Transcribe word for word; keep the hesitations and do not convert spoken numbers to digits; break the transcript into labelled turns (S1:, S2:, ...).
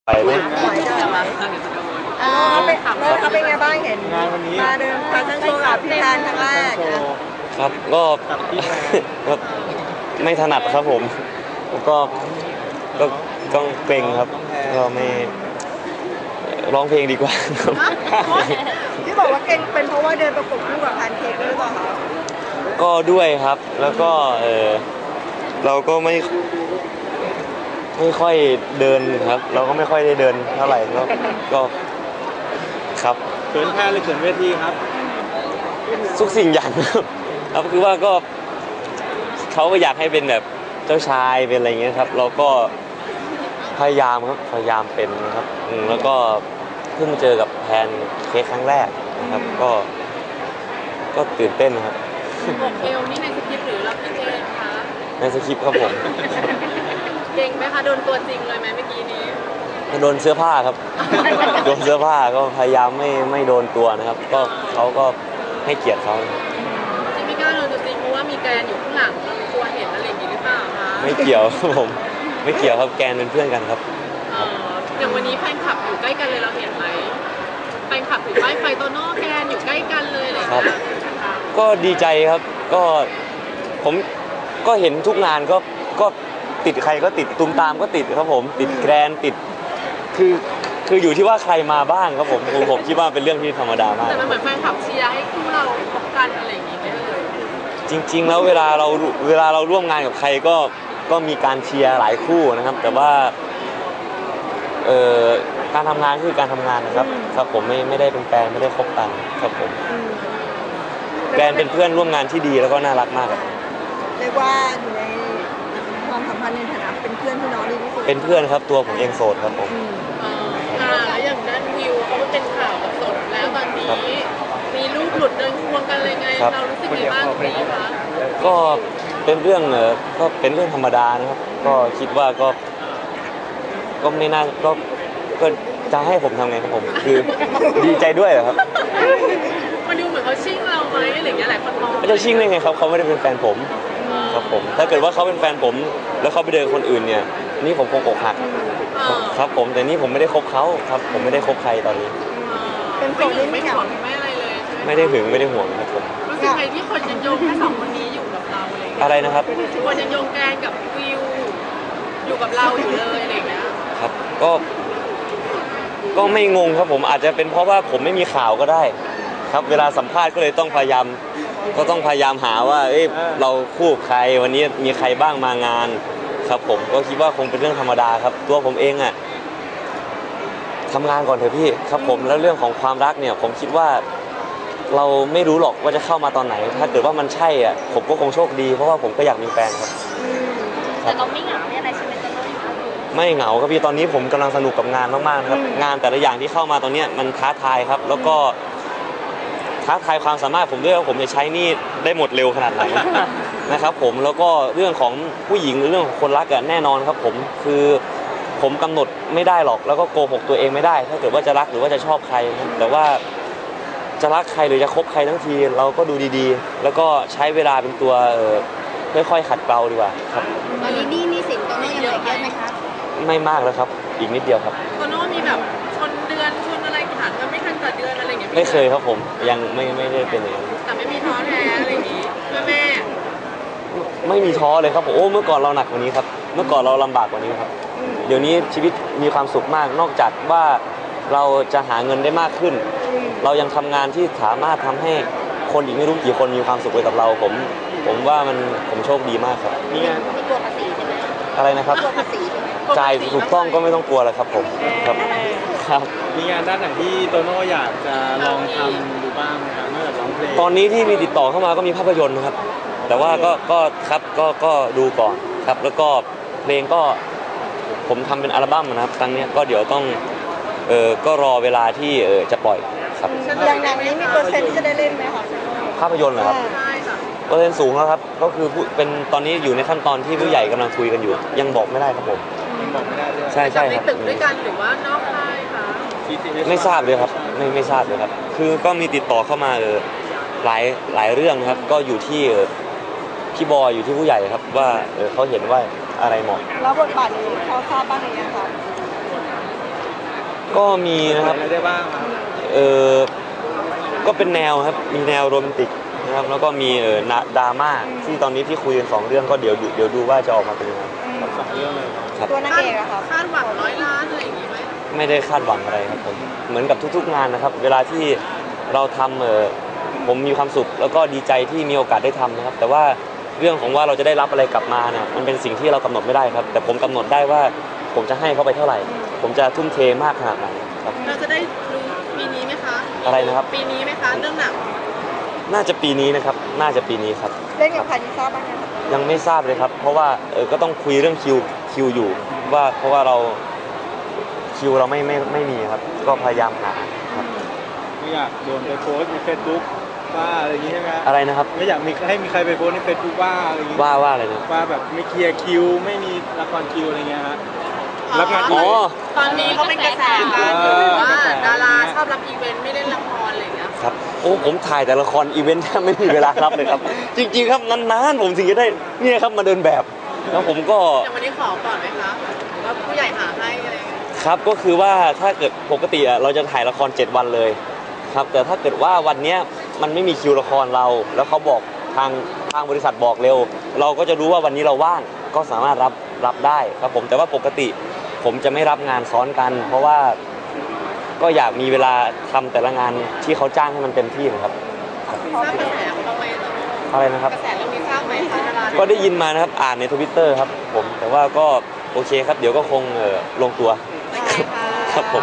S1: ไปไหม
S2: เขาเป็นเขาเป็นไงบ้างเห็นมาเดินแฟชั่นโชว์กับพี่แทนครั้งแรก
S1: ครับก็ก็ไม่ถนัดครับผมก็ก็ต้องเกรงครับก็ไม่ร้องเพลงดีกว่าครับ
S2: ที่บอกว่าเก่งเป็นเพราะว่าเดินประกบคู่กับแพนเค้กหรือเปล่าคะ
S1: ก็ด้วยครับแล้วก็เออเราก็ไม่ไม่ค่อยเดินครับเราก็ไม่ค่อยได้เดินเท่าไหร่ก็ก็ครับ
S3: เขินแพ้หรือเขินเวทีครับ
S1: ทุกสิ่งอย่างครับคือว่าก็เขาก็อยากให้เป็นแบบเจ้าชายเป็นอะไรเงี้ยครับเราก็พยายามครับพยายามเป็นนะครับแล้วก็เพิ่งเจอกับแพนเค้กครั้งแรกนะครับก็ก็ตื่นเต้นครับ
S4: บอกเอลนี่ในสคริปต์หรือรับพี่เจนคะ
S1: ในสคริปต์ครับผม
S4: เก่งไหมคะโดนตัวจริงเลยไหมเมื่อกี้นี้
S1: โดนเสื้อผ้าครับโดนเสื้อผ้าก็พยายามไม่ไม่โดนตัวนะครับก็เขาก็ให้เกียรติเขา
S4: ที่ไม่กล้าโดนตัวจริงเพราะว่ามีแกนอยู่ข้างหลังเรากลัวเห็นอะไรอย่างนี้หรือเปล่าคะ
S1: ไม่เกี่ยวครับผมไม่เกี่ยวครับแกนเป็นเพื่อนกันครับ
S4: อย่างวันนี้แฟนคลับอยู่ใกล้กันเลยเราเห็นไหมแฟนคลับอยู่ใกล้ไฟโตโน่แกนอยู่ใกล้กันเลยเลย
S1: ครับก็ดีใจครับก็ผมก็เห็นทุกงานก็ก็ติดใครก็ติดตุมตามก็ติดครับผมติดแกรนติดคือคืออยู่ที่ว่าใครมาบ้างครับผมผมผมคิดว่าเป็นเรื่องที่ธรรมดามาก
S4: แต่มันเหมือนแฟนคลับเชียร์ให้คู่เราพบกันอะไรอย่างนี้ไหมเลย
S1: จริงๆแล้วเวลาเราเวลาเราร่วมงานกับใครก็ก็มีการเชียร์หลายคู่นะครับแต่ว่าเอ่อการทำงานคือการทำงานนะครับครับผมไม่ไม่ได้เป็นแฟนไม่ได้คบกันครับผมแกรนเป็นเพื่อนร่วมงานที่ดีแล้วก็น่ารักมากครับ
S2: เรียกว่าอยู่ในความสัมพันธ์ในฐานะเป็นเพื่อนพี่น้องดีที่สุด
S1: เป็นเพื่อนครับตัวผมเองโสดครับผม
S4: อ่าแล้วอย่างนั้นวิวเขาเป็นข่าวกับโสดแล้วตอนนี้มีรูปหลุดเดินควงกันเลยไงเรารู้สึกยังไงบ้างตรงนี้คะ
S1: ก็เป็นเรื่องเออก็เป็นเรื่องธรรมดานะครับก็คิดว่าก็ก็ไม่น่าก็ก็จะให้ผมทำไงครับผมคือดีใจด้วยเหรอครับ
S4: มันดูเหมือนเขาชิ่งเราไหมอะไรอย่างเงี้ยหลายคนมอง
S1: ไม่จะชิ่งได้ไงครับเขาไม่ได้เป็นแฟนผมครับผมถ้าเกิดว่าเขาเป็นแฟนผมแล้วเขาไปเดินคนอื่นเนี่ยนี่ผมคงอกหักครับผมแต่นี่ผมไม่ได้คบเขาครับผมไม่ได้คบใครตอนนี้
S4: เป็นคนที่ไม่ห่วงไม่อะไรเลย
S1: ไม่ได้หึงไม่ได้ห่วงครับผม
S4: รู้สึกไงที่คนยังโยงแค่สองคนนี้อยู่กับเราอะไร
S1: อะไรนะครับ
S4: คนยังโยงแกนกับวิวอยู่กับเราอยู่เลยอะไรอย่างเงี้ย
S1: ครับก็ก็ไม่งงครับผมอาจจะเป็นเพราะว่าผมไม่มีข่าวก็ได้ครับเวลาสัมภาษณ์ก็เลยต้องพยายามก็ต้องพยายามหาว่าเอ้ยเราคู่ใครวันนี้มีใครบ้างมางานครับผมก็คิดว่าคงเป็นเรื่องธรรมดาครับตัวผมเองอ่ะทำงานก่อนเถอะพี่ครับผมแล้วเรื่องของความรักเนี่ยผมคิดว่าเราไม่รู้หรอกว่าจะเข้ามาตอนไหนถ้าเกิดว่ามันใช่อ่ะผมก็คงโชคดีเพราะว่าผมก็อยากมีแฟนครับ
S4: แต่เราไม่เหงาเนี่ยอะไรใช่ไหมตอนนี้
S1: ไม่เหงาครับพี่ตอนนี้ผมกำลังสนุกกับงานมากๆครับงานแต่ละอย่างที่เข้ามาตอนนี้มันท้าทายครับแล้วก็ท้าทายความสามารถผมด้วยว่าผมจะใช้นี่ได้หมดเร็วขนาดไหนนะครับผมแล้วก็เรื่องของผู้หญิงหรือเรื่องของคนรักอะแน่นอนครับผมคือผมกำหนดไม่ได้หรอกแล้วก็โกหกตัวเองไม่ได้ถ้าเกิดว่าจะรักหรือว่าจะชอบใครแต่ว่าจะรักใครหรือจะคบใครทั้งทีเราก็ดูดีๆแล้วก็ใช้เวลาเป็นตัวค่อยๆขัดเกลาดีกว่าครับ
S4: ตอนนี้นี่นี่สินตัวนี้ยังเหลือเยอะไหมคะ
S1: ไม่มากแล้วครับอีกนิดเดียวครับ
S4: ตัวโน้มีแบบชนเดือนชนอะไรถามกันไม่ทันต่อเดือนอะไรอย่างเงี้ย
S1: ไม่เคยครับผมยังไม่ไม่ได้เป็นอย่างนั้น
S4: แต่ไม่มีท้อแท้อะไรอย่างงี้แม่แม่
S1: ไม่มีท้อเลยครับผมโอ้เมื่อก่อนเราหนักกว่านี้ครับเมื่อก่อนเราลำบากกว่านี้ครับเดี๋ยวนี้ชีวิตมีความสุขมากนอกจากว่าเราจะหาเงินได้มากขึ้นเรายังทำงานที่สามารถทำให้คนอีกไม่รู้กี่คนมีความสุขไปกับเราผมผมว่ามันผมโชคดีมากครับ
S4: นี่งานไม่กลัวภาษีใช่ไหม
S1: อะไรนะครับ
S4: กลัวภาษีใช่ไหม
S1: จ่ายถูกต้องก็ไม่ต้องกลัวแล้วครับผมครับ
S3: ครับมีงานด้านไหนที่โตโน่อยากจะลองทำดูบ้างครับนอกจากร้องเพลง
S1: ตอนนี้ที่มีติดต่อเข้ามาก็มีภาพยนตร์นะครับแต่ว่าก็ก็ครับก็ก็ดูก่อนครับแล้วก็เพลงก็ผมทำเป็นอัลบั้มนะครับครั้งนี้ก็เดี๋ยวต้องเออก็รอเวลาที่เออจะปล่อยครับ
S2: อย่างอย่างนี้มีเปอร์เซ็นต์ที่จะได้เล่นไหมคะ
S1: ภาพยนตร์เหรอครับเปอร์เซ็นต์สูงแล้วครับก็คือเป็นตอนนี้อยู่ในขั้นตอนที่ผู้ใหญ่กำลังคุยกันอยู่ยังบอกไม่ได้ครับผมใช่ใช่ครับ
S4: ตึกด้วยกันหรือว่านอกค่ายคะ
S1: ไม่ทราบเลยครับไม่ไม่ทราบเลยครับคือก็มีติดต่อเข้ามาเออหลายหลายเรื่องครับก็อยู่ที่พี่บอยอยู่ที่ผู้ใหญ่ครับว่าเออเขาเห็นว่าอะไรเหมาะ
S2: แล้วบทบาทนี้เขาทราบบ้างหรือยังครับ
S1: ก็มีนะครับ
S3: อะไรได้บ้างครับ
S1: เออก็เป็นแนวครับมีแนวโรแมนติกนะครับแล้วก็มีเออดราม่าที่ตอนนี้ที่คุยกันสองเรื่องก็เดี๋ยวเดี๋ยวดูว่าจะออกมาเป็นยังไง
S3: สองเรื่องเลย
S1: ครับ
S2: ตัวนางเอกอะค่ะ
S4: คาดหวังร้อยล้านอะไรอย่างงี้ไหม
S1: ไม่ได้คาดหวังอะไรครับผมเหมือนกับทุกๆงานนะครับ เวลาที่เราทำเออผมมีความสุขแล้วก็ดีใจที่มีโอกาสได้ทำนะครับ แต่ว่าเรื่องของว่าเราจะได้รับอะไรกลับมาเนี่ยมันเป็นสิ่งที่เรากำหนดไม่ได้ครับ แต่ผมกำหนดได้ว่าผมจะให้เขาไปเท่าไหร่ ผมจะทุ่มเทมากขนาดไหนครับ
S4: เราจะได้รู้ปีนี้ไหมคะ
S1: อะไรนะครับ
S4: ปีนี้ไหมคะเรื่องหนัง
S1: น่าจะปีนี้นะครับน่าจะปีนี้ครับ
S2: เล่นกับใครที่ทราบบ้างไหมคะ
S1: ยังไม่ทราบเลยครับ เพราะว่าเออก็ต้องคุยเรื่องคิวคิวอยู่ว่าเพราะว่าเราคิวเราไม่ไม่ไม่มีครับ ก็พยายามหาครับ
S3: ไม่อยากโดนไปโพสต์ในเฟซบุ๊กว่าอะไรอย่างนี้ใช่ไหม
S1: อะไรนะครับ
S3: ไม่อยากมีให้มีใครไปโพสต์ในเฟซบุ๊กว่าอะไรอย่างนี้
S1: ว่าว่าอะไรนะ
S3: ว่าแบบไม่เคลียร์คิวไม่มีละครคิวอะไรเงี้ยฮะรับงาน
S1: อ๋อ
S4: ตอนนี้เขาเป็นกระแสกันอยู่ว่าดาราชอบรับอีเวนต์ไม่ได้ละครอะไรอย่างเงี้ย
S1: ครับโอ้ผมถ่ายแต่ละครอีเวนต์แทบไม่มีเวลารับเลยครับ จริงๆครับนานๆผมถึงจะได้เนี่ยครับมาเดินแบบ แล้วผมก็
S4: อย่างวันนี้ขอก่อนไหมคะหรือว่าผู้ใหญ่หาให้อะไรอย่างเงี้ย
S1: ครับก็คือว่าถ้าเกิดปกติอะเราจะถ่ายละครเจ็ดวันเลยครับแต่ถ้าเกิดว่าวันเนี้ยมันไม่มีคิวละครเรา แล้วเขาบอกทางทางบริษัทบอกเร็ว เราก็จะรู้ว่าวันนี้เราว่างก็สามารถรับรับได้ครับผมแต่ว่าปกติผมจะไม่รับงานซ้อนกัน เพราะว่าก็อยากมีเวลาทำแต่ละงานที่เขาจ้างให้มันเต็มที่นะครับ
S4: ทราบกระแสเขาไหมตอนนี้
S1: อะไรนะครับ
S4: กระแสเรื่องนี้ทราบไหมคะดารา
S1: ก็ได้ยินมานะครับอ่านในทวิตเตอร์ครับผมแต่ว่าก็โอเคครับเดี๋ยวก็คงเอ่อลงตัว
S4: โอเคค่ะ
S1: ครับผม